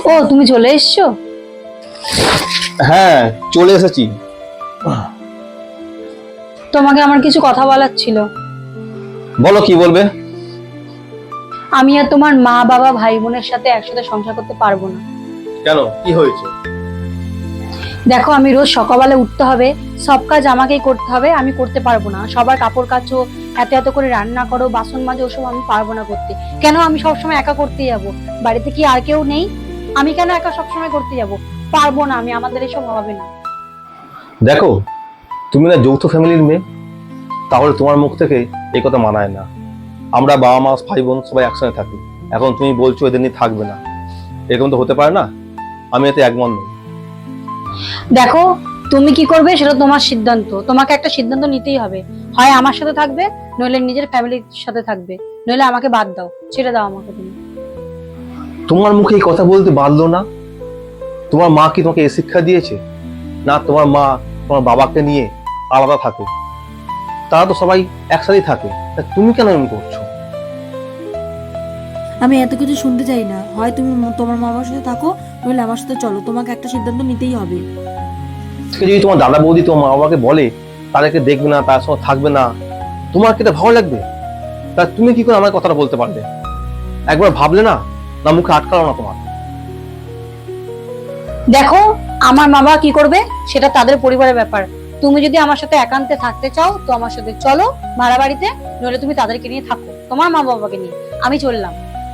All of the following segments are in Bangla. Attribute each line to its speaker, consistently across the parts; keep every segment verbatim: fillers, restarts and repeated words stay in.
Speaker 1: ও তুমি চলে এসছো?
Speaker 2: হ্যাঁ, চলে এসেছি।
Speaker 1: তোমাকে আমার কিছু কথা বলার ছিল।
Speaker 2: বলো, কি বলবে?
Speaker 1: আমি আর তোমার মা বাবা ভাই বোনের সাথে একসাথে সংসার করতে পারবো না।
Speaker 2: কেন, কি হয়েছে?
Speaker 1: দেখো, আমি রোজ সকালবেলা উঠতে হবে, সব কাজ আমাকেই করতে হবে, আমি করতে পারবো না। সবার কাপড় কাচো, এত এত করে রান্না করো, বাসন মাজো, ওসব আমি পারবো না করতে। কেন আমি সবসময় একা করতে যাব? বাড়িতে কি আর কেউ নেই? আমি কেন একা সবসময় করতে যাব? পারবো না আমি, আমাদের এসব হবে না।
Speaker 2: দেখো, তুমি না যৌথ ফ্যামিলির মেয়ে, তাহলে তোমার মুখ থেকে এই কথা মানায় না। আমরা বাবা মা ভাই বোন সবাই একসঙ্গে থাকি, এখন তুমি বলছো এদের নিয়ে থাকবে না, এরকম তো হতে পারে না। আমি এতে একমত নই।
Speaker 1: দেখো, তুমি কি করবে সেটা তোমার সিদ্ধান্ত, তোমাকে একটা সিদ্ধান্ত নিতেই হবে। হয় আমার সাথে থাকবে, নইলে নিজের ফ্যামিলির সাথে থাকবে, নইলে আমাকে বাদ দাও, ছেড়ে দাও আমাকে তুমি।
Speaker 2: তোমার মুখে এই কথা বলতে বাধলো না? তোমার মা কি তোমাকে এই শিক্ষা দিয়েছে? না, তোমার মা তোমার বাবাকে নিয়ে আলাদা থাকে, তারা তো সবাই একসাথেই থাকে, তা তুমি কেন এমন করছো?
Speaker 3: আমি এত কিছু শুনতে চাই না। হয় তুমি ম- তোমার মা বাবার সাথে থাকো, নইলে আমার সাথে চলো। তোমাকে একটা সিদ্ধান্ত নিতেই হবে।
Speaker 2: আজকে যদি তোমার দাদা বৌদি তোমার মা বাবাকে বলে তাদেরকে দেখবে না, তার সঙ্গে থাকবে না, তোমার কি এটা ভালো লাগবে? তা তুমি কি করে আমার কথাটা বলতে পারবে? একবার ভাবলে না? না মুখে আটকালো না তোমার?
Speaker 1: দেখো, আমার মা বাবা কি করবে সেটা তাদের পরিবারের ব্যাপার। তুমি যদি আমার সাথে একান্তে থাকতে চাও তো আমার সাথে চলো ভাড়া বাড়িতে, নইলে তুমি তাদেরকে নিয়ে থাকো, তোমার মা বাবাকে নিয়ে। আমি চললাম।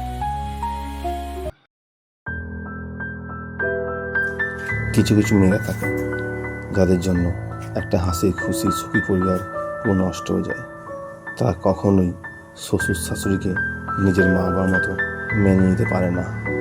Speaker 4: কিছু কিছু মেয়েরা থাকে যাদের জন্য একটা হাসি খুশি সুখী পরিবার পুরো নষ্ট হয়ে যায়। তারা কখনোই শ্বশুর শাশুড়িকে নিজের মা বাবার মতো মেনে নিতে পারে না।